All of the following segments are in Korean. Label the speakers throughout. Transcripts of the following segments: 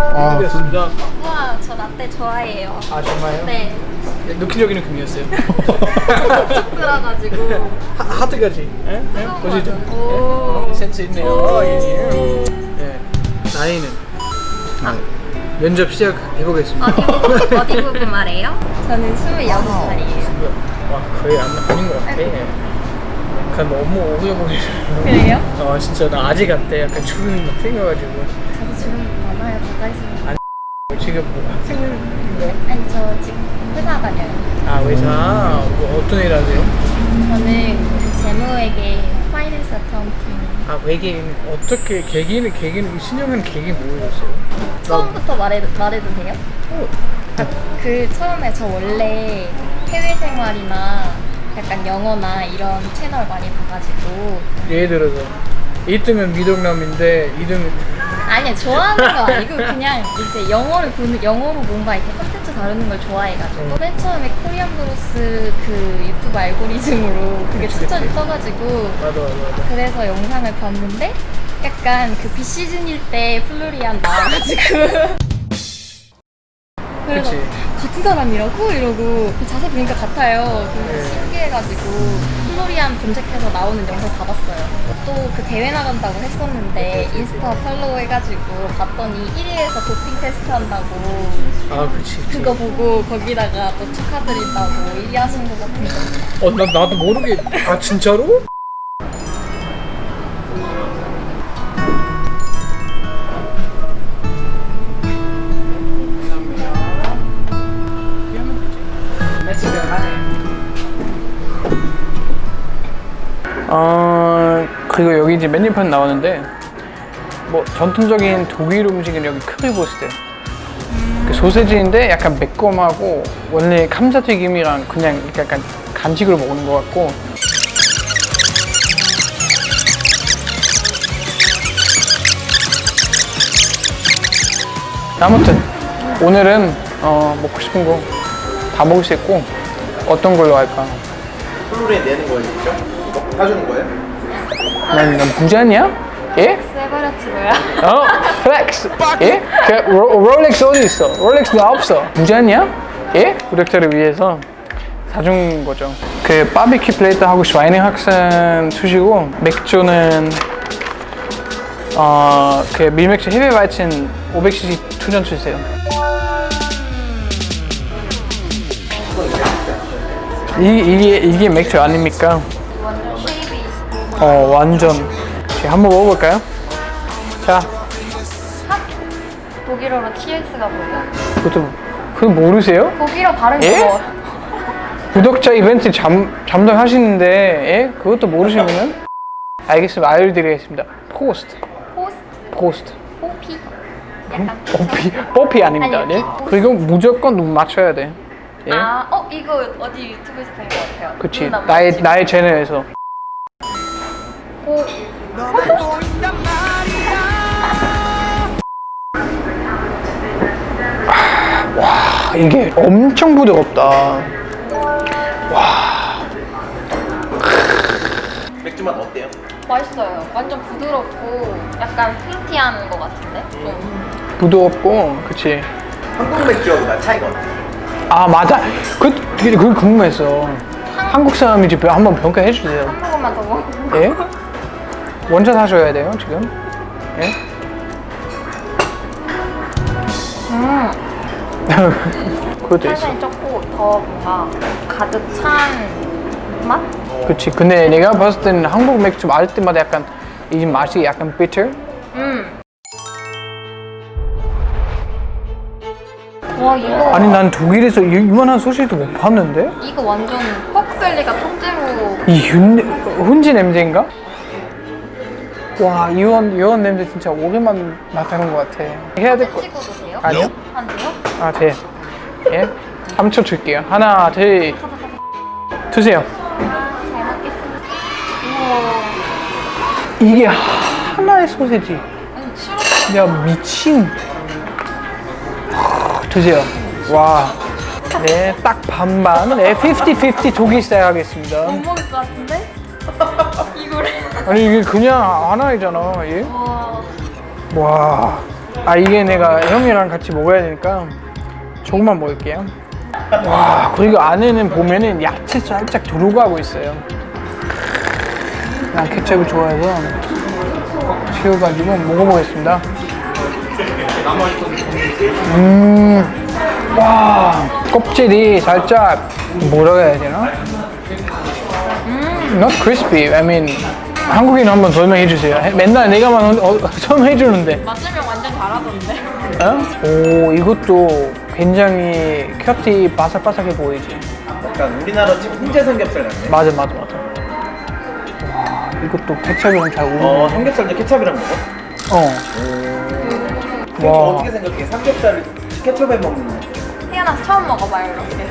Speaker 1: 아,
Speaker 2: 드렸습니다.
Speaker 3: 우와, 저 라떼 좋아해요.
Speaker 2: 아 정말요?
Speaker 3: 네.
Speaker 2: 느끼려기는 금이었어요.
Speaker 3: 쭉 들어가지고.
Speaker 2: 하트까지. 예? 예? 보시죠.
Speaker 3: 오.
Speaker 2: 센스 있네요. 예. 예. 나이는 면접 시작해보겠습니다.
Speaker 3: 어디 부분 말해요? 저는 26살이에요.
Speaker 2: 와 거의 아닌 것 같아. 약간 너무 오래 보이는.
Speaker 3: 그래요?
Speaker 2: 진짜 나 아직 같아. 약간 주름이 막 생겨가지고.
Speaker 3: 저도 주름 많아요. 가까이 있으면.
Speaker 2: 지금 뭐 학생인가요?
Speaker 3: 아니, 저 지금 회사 다녀요.
Speaker 2: 아 회사 뭐 어떤 일 하세요?
Speaker 3: 저는 그 재무회계 파이낸스 어카운팅.
Speaker 2: 아 외계인 어떻게 계기는 신청한 계기 뭐였어요?
Speaker 3: 처음부터 말해도 돼요? 아, 그 처음에 저 원래 해외 생활이나 약간 영어나 이런 채널 많이 봐가지고.
Speaker 2: 예를 들어서 1등은 미동남인데 2등은
Speaker 3: 아니요, 좋아하는 거 아니고 그냥 이제 영어로 뭔가 이렇게 콘텐츠 다루는 걸 좋아해가지고 맨 처음에 코리안 브로스 그 유튜브 알고리즘으로 그게 추천이 떠가지고
Speaker 2: 맞아.
Speaker 3: 그래서 영상을 봤는데 약간 그 비시즌일 때 플로리안 나와가지고 그래서
Speaker 2: 그치.
Speaker 3: 같은 사람이라고? 이러고 자세히 보니까 같아요. 그래서 신기해가지고 플로리안 검색해서 나오는 영상 다 봤어요. 또 그 대회 나간다고 했었는데 인스타 팔로우 해가지고 봤더니 1위에서 도핑 테스트 한다고
Speaker 2: 아 그치.
Speaker 3: 그거 보고 거기다가 또 축하드린다고 1위 하신 것 같은데.
Speaker 2: 나도 모르게. 아 진짜로? 그리고 여기 이제 메뉴판 나오는데 뭐 전통적인 독일 음식은 여기 크리보스트 그 소세지인데 약간 매콤하고 원래 감자튀김이랑 그냥 이렇게 약간 간식으로 먹는 것 같고 아무튼 오늘은 먹고 싶은 거 다 먹을 수 있고 어떤 걸로 할까?
Speaker 1: 플로리에 내는 거예요, 직접? 이거 사주는 거예요?
Speaker 2: 난 부자냐? 예?
Speaker 3: 세버렸지 뭐야?
Speaker 2: 플렉스! 예? 롤렉스 어디 있어? 롤렉스 나 없어. 부자냐? 예? 구독자를 위해서 사준 거죠. 그 바비큐 플레이트 하고 슈와이닝학생 주시고 맥주는 그 밀맥주 헤비바이친 500cc 2전 주세요. 이게 맥주 아닙니까?
Speaker 3: 완전 쉐이비.
Speaker 2: 완전. 한번 먹어볼까요? 자,
Speaker 3: 독일어로 TS가 뭐예요?
Speaker 2: 그거 모르세요?
Speaker 3: 독일어 발음
Speaker 2: 예?
Speaker 3: 뭐?
Speaker 2: 구독자 이벤트 담당하시는데 예? 그것도 모르시면은 알겠습니다. 알려드리겠습니다. 포스트.
Speaker 3: 뽀피? 약간
Speaker 2: 뽀피 아닙니다.
Speaker 3: 아니,
Speaker 2: 네? 그리고 무조건 눈 맞춰야 돼. 예?
Speaker 3: 이거 어디 유튜브에서 본 것 같아요.
Speaker 2: 그치.
Speaker 3: 눈 안
Speaker 2: 나의
Speaker 3: 맞추고.
Speaker 2: 채널에서. 와, 이게 엄청 부드럽다.
Speaker 1: 맥주 맛 어때요?
Speaker 3: 맛있어요. 완전 부드럽고 약간 프루티한 것 같은데?
Speaker 2: 부드럽고, 그치.
Speaker 1: 한국 맥주하고 차이가 어때요?
Speaker 2: 아, 맞아. 그게 궁금했어. 한국 사람인지 한번 평가해 주세요.
Speaker 3: 한 모금만 더 먹어.
Speaker 2: 예? 원샷 하셔야 돼요, 지금. 예? 그것도 있어.
Speaker 3: 탄산이 적고 더 뭔가 가득 찬 맛?
Speaker 2: 그치. 근데 내가 봤을 때는 한국 맥주 마실 때마다 약간 이 맛이 약간 bitter?
Speaker 3: 와 이거
Speaker 2: 아니 난 독일에서 이만한 소시지도 못 봤는데?
Speaker 3: 이거 완전 포크벨리가 통째로
Speaker 2: 이 훈지 냄새인가? 와 이원 냄새 진짜 오랜만에 맡아본 것 같아. 해야 될 거.
Speaker 3: 찍어도 돼요?
Speaker 2: 아니요?
Speaker 3: 안 돼요?
Speaker 2: 아 돼. 예? 3초 줄게요. 하나 둘 드세요.
Speaker 3: 잘 먹겠습니다. 우와.
Speaker 2: 이게 하나의 소세지.
Speaker 3: 아니 시럽
Speaker 2: 야 미친. 드세요. 와. 네, 딱 반반. 네, 50-50 독일 스타일 하겠습니다.
Speaker 3: 못 먹을 것 같은데? 이거를
Speaker 2: 아니 이게 그냥 하나이잖아. 예?
Speaker 3: 와
Speaker 2: 와. 아 이게 내가 형이랑 같이 먹어야 되니까 조금만 먹을게요. 와 그리고 안에는 보면은 야채 살짝 들어가고 있어요. 난 케첩을 좋아해서 채워가지고 먹어보겠습니다. 와 껍질이 살짝 뭐라고 해야 되나? Not crispy. I mean 한국인 한번 설명해 주세요. 맨날 내가만 설명해 주는데.
Speaker 3: 맞으면 완전 잘하던데.
Speaker 2: 어? 오 이것도 굉장히 큐티 바삭바삭해 보이지.
Speaker 1: 약간 우리나라 지금 훈제 삼겹살 같네.
Speaker 2: 맞아. 와 이것도 케첩이랑 잘 어울려.
Speaker 1: 삼겹살도 케찹이랑 먹어?
Speaker 2: 와.
Speaker 1: 어떻게 생각해? 삼겹살을 케첩에 먹는 거.
Speaker 3: 태어나서 처음 먹어봐요 이렇게.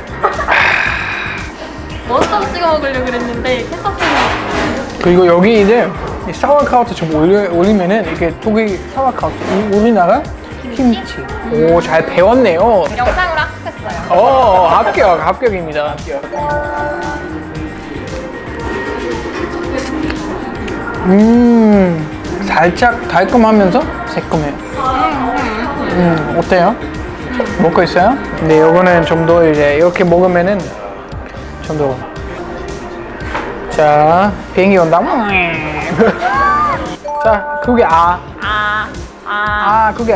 Speaker 3: 머스타드 찍어 먹으려고 그랬는데 케첩 찍어.
Speaker 2: 그리고 여기 이제 이 사와카우트 좀 올리면은 이게 독일 사와카우트, 우리나라 김치. 오 잘 배웠네요.
Speaker 3: 영상으로 학습했어요.
Speaker 2: 합격입니다. 살짝 달콤하면서 새콤해요. 어때요? 먹고 있어요? 네, 요거는 좀 더 이제 이렇게 먹으면은 좀 더. 자, 비행기 온다. 자, 그게 그게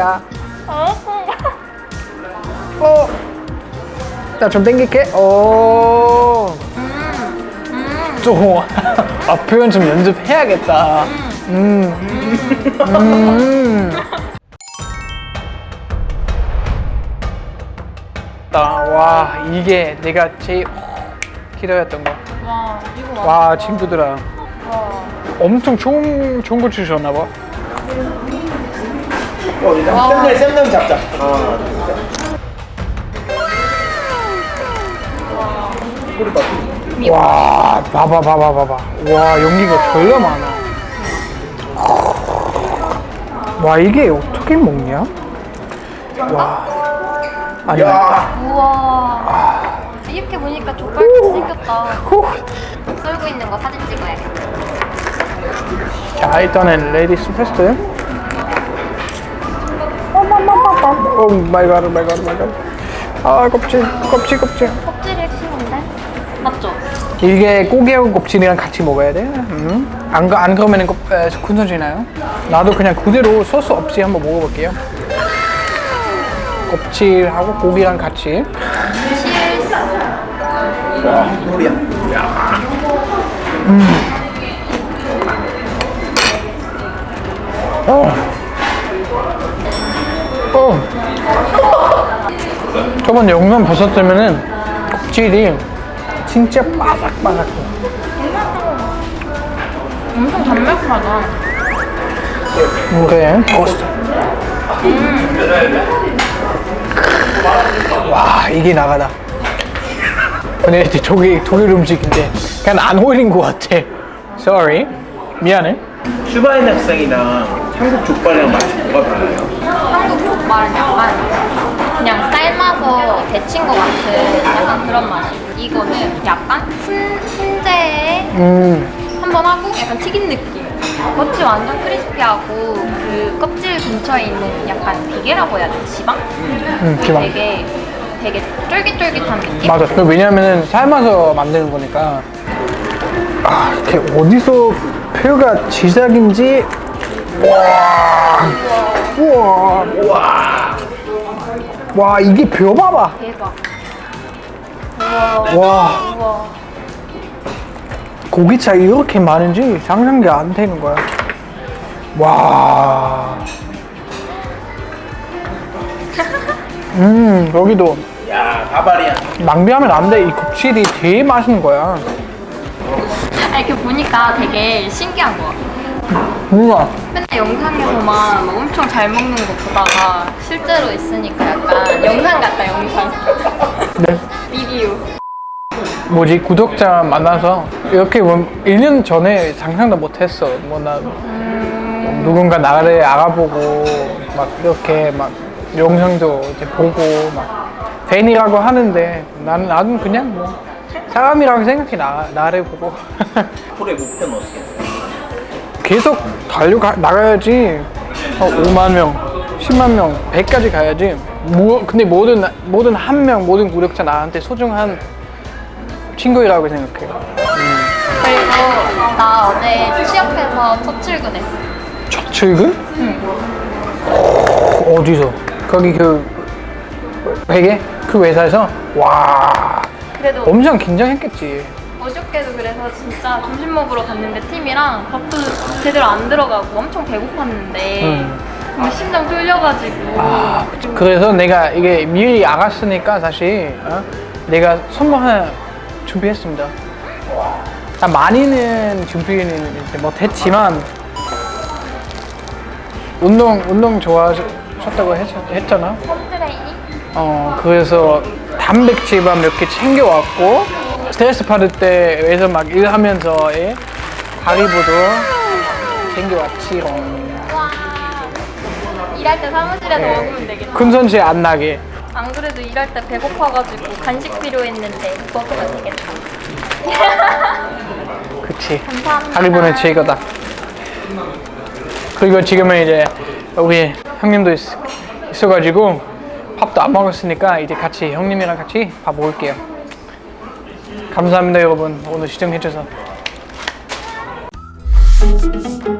Speaker 2: 자, 좀 땡길게. 좀 표현 좀 연습해야겠다. 와 이게 내가 제일 기다렸던 거.
Speaker 3: 와 이거
Speaker 2: 와 친구들아 엄청 좋은 거 주셨나 봐.
Speaker 1: 일단 쌤들 잡자. 꼬리 봐.
Speaker 2: 와 봐봐. 와 연기가 졸라 많아. 와 이게 어떻게 먹냐? 와 아니.
Speaker 3: 우와. 이렇게 보니까 족발같이 생겼다. 썰고 있는 거 사진 찍어야겠다.
Speaker 2: 자 일단은 레디스 패스트. 오 마이 갓. 아 껍질.
Speaker 3: 껍질이 핵심인데? 맞죠?
Speaker 2: 이게 고기하고 껍질이랑 같이 먹어야 돼. 안 그러면은 군소지나요? 나도 그냥 그대로 소스 없이 한번 먹어볼게요. 껍질하고 고기랑 같이.
Speaker 1: 와, 소리야.
Speaker 2: 저번 영상 보셨다면은 껍질이 진짜 바삭바삭해.
Speaker 3: 엄청 담백하다.
Speaker 2: 그래. 토스트. 와 이게 나가다. 근데 이제 독일 음식인데 그냥 안 어울린 것 같아. Sorry. 미안해.
Speaker 1: 슈바인 학생이랑 한국 족발이랑 맛이 뭐가 달라요?
Speaker 3: 한국 족발은 약간 그냥 삶아서 데친 것 같은 약간 그런 맛이고 이거는 약간 훈제에 한번 하고 약간 튀긴 느낌. 겉이 완전 크리스피하고 그 껍질 근처에 있는 약간 비계라고 해야 되나? 지방?
Speaker 2: 지방.
Speaker 3: 되게 쫄깃쫄깃한 느낌?
Speaker 2: 맞아. 왜냐면은 삶아서 만드는 거니까. 아, 이렇게 어디서 표가 지작인지. 와, 이게 표 봐봐.
Speaker 3: 대박.
Speaker 2: 와,
Speaker 3: 우와.
Speaker 2: 고기 차이 이렇게 많은지 상상이 안 되는 거야. 와. 여기도.
Speaker 1: 야, 바바리안.
Speaker 2: 낭비하면 안 돼. 이 껍질이 되게 맛있는 거야.
Speaker 3: 이렇게 보니까 되게 신기한 거 같아.
Speaker 2: 뭔가.
Speaker 3: 맨날 영상에서만 막 엄청 잘 먹는 거 보다가 실제로 있으니까 약간 영상 같다, 영상.
Speaker 2: 네.
Speaker 3: 리뷰.
Speaker 2: 뭐지 구독자 만나서 이렇게 1년 전에 상상도 못했어. 누군가 나를 알아보고 막 이렇게 막 영상도 이제 보고 막 팬이라고 하는데 나는 그냥 뭐 사람이라고 생각해. 나를 보고
Speaker 1: 앞으로의 목표는 어떻게 돼?
Speaker 2: 계속 나가야지. 5만 명, 10만 명, 100까지 가야지. 근데 모든 한 명, 모든 구독자 나한테 소중한 친구라고 생각해요.
Speaker 3: 그리고 나 어제 취업해서 첫 출근했어.
Speaker 2: 첫 출근? 응. 어디서? 거기 그 베개? 그 회사에서? 와,
Speaker 3: 그래도
Speaker 2: 엄청 긴장했겠지.
Speaker 3: 어저께도 그래서 진짜 점심 먹으러 갔는데 팀이랑 밥도 제대로 안 들어가고 엄청 배고팠는데 너무 심장 뚫려가지고
Speaker 2: 아, 그래서 내가 이게 미리 알았으니까 사실 내가 선물 하나 준비했습니다. 나 많이는 준비는 이제 못했지만 운동 좋아하셨다고 했잖아.
Speaker 3: 홈트레이닝?
Speaker 2: 그래서 단백질만 몇 개 챙겨왔고 스트레스 받을 때 외에서 막 일하면서 하리보도 챙겨왔지롱.
Speaker 3: 와 일할 때 사무실에서 먹으면 되겠다.
Speaker 2: 군선실 안 나게.
Speaker 3: 안 그래도 일할 때 배고파가지고 간식 필요했는데 먹으면 되겠다.
Speaker 2: 그치.
Speaker 3: 감사합니다.
Speaker 2: 하리보는 최고다. 그리고 지금은 이제 우리 형님도 있어가지고 밥도 안 먹었으니까 이제 같이 형님이랑 같이 밥 먹을게요. 감사합니다 여러분 오늘 시청해주셔서.